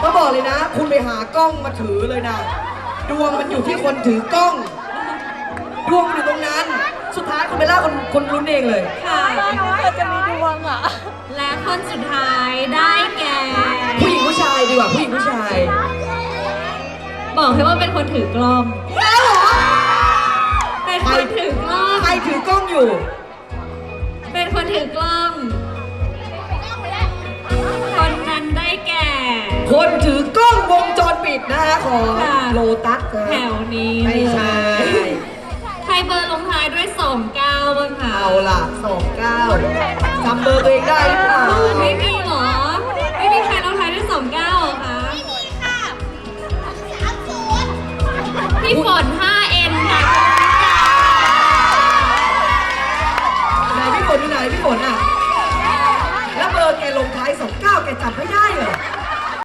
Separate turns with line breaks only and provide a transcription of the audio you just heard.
ก็บอกเลยนะ คุณไปหากล้องมาถือเลยนะดวงมันอยู่ที่คนถือกล้องดวงมันอยู่ตรงนั้นสุดท้ายคุณเบลล่าคนลุ้นเองเลย
ค่ะ
เธอจะมีดวงอ่ะ
และคนสุดท้ายได้แก่
ผู้หญิงผู้ชายดีกว่าผู้หญิงผู้ชาย
บอกให้ว่าเป็นคนถือกล้อง
แล้วเหรอ
เป็นคนถือกล้อง
ใครถือกล้องอยู่
เป็นคนถือกล้อง คนนั้นได้แก่
คนถือกล้องวงจรปิดนะคะของ
ค่ะ
โลตัสนะ
แถวนี้
ไม่ใช่
ใครเบอร์ลงท้ายด้วย29บ้างคะ
เอาล่ะ29จำเบอร์ตัวเองได้หรือเปล่า
ไม่มีเหรอ